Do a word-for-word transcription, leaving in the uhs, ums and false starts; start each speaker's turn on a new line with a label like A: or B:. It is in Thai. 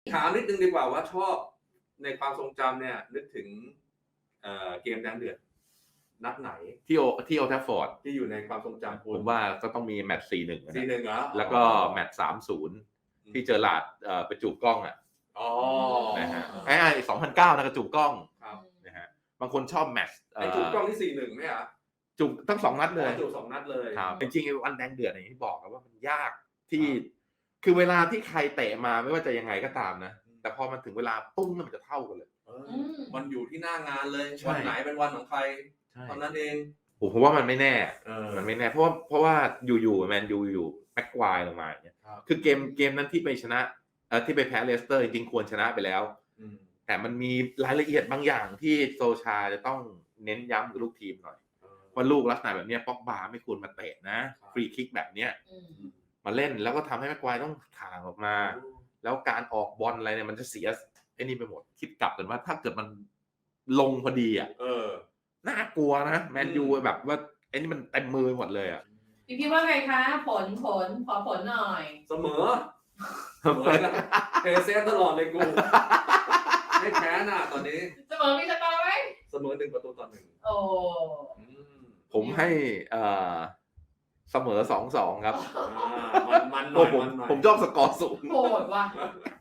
A: ถามนิดนึงดีกว่าว่าชอบในความทรงจำเนี่ยนึกถึงเอ่อเกมแดงเดือดนัดไหน
B: ที่โอที่โอลด์แทฟฟอร์ด
A: ที่อยู่ในความทรงจำคุ
B: ผ
A: ณ
B: มว่าก็ต้องมีแมตช์ สี่หนึ่ง
A: สี่หนึ่งเหรอ
B: แล้วก็แมตช์ สามศูนย์ ที่เจอหลาดเอ่อไปจูบกล้องอ่ะ
A: อ๋อ
B: นะฮะไอ้สองพันเก้านะกระจูบกล้อง
A: ครับ
B: นะฮะบางคนชอบแมตช์
A: ไอ้จูบกล้องที่ สี่หนึ่ง ไหมอ่ะ
B: จูบทั้งสองนัดเลย
A: จูบสองนัดเลย
B: ครับจริงๆวันแดงเดือดอย่างที่บอกครับว่ามันยากที่คือเวลาที่ใครเตะมาไม่ว่าจะยังไงก็ตามนะแต่พอมันถึงเวลาปุ้งมันจะเท่ากันเลย
A: เออมันอยู่ที่หน้างานเลย
B: ใช่
A: วันไหนเป็นวันของใคร
B: ใช่
A: เท่านั้นเอง
B: ผมผมว่ามันไม่แน่
A: เออ
B: มันไม่แน่เพราะว่าเพราะว่าอยู่ๆแมนยูอยู่แม็กควายลงมาอย่างเงี้ย
A: ครับ
B: คือเกมเกมนั้นที่ไปชนะเอ่อที่ไปแพ้เลสเตอร์จริงๆควรชนะไปแล้ว
A: อืม
B: แต่มันมีรายละเอียดบางอย่างที่โซชาจะต้องเน้นย้ำกับลูกทีมหน่อย
A: เออ
B: ว่าลูกลักษณะแบบเนี้ยป็อกบาไม่ควรมาเตะนะครับ ฟรีคิกแบบเนี้ย
C: อืม
B: มาเล่นแล้วก็ทำให้แม็กควายต้องถ่างออกมา แล้วการออกบอลอะไรเนี่ยมันจะเสียไอ้นี่ไปหมดคิดกลับกันว่าถ้าเกิดมันลงพอดีอ่ะ
A: เออ
B: น่ากลัวนะแมนยูแบบว่าไอ้นี่มันเต็มมือหมดเลยอ่ะ
C: พี่พี่ว่าไงคะ ผลผลขอผลหน่อย
A: เสมอเสมอนะเทเซฟตลอดเลยกูไม่แพ้น่ะตอนนี้
C: เสมอมีสกอร์ไหม
A: เสมอหนึ่งประตูต่อหนึ่ง
C: โอ้
A: อืม
B: ผมให้เอ่อเสมอสองสองครับ
A: อ่ามันมันห
B: ผ
A: น่อย
B: มผม
A: มันหน่อย
B: ผมชอบสกอร์สูง
C: โหดว่ะ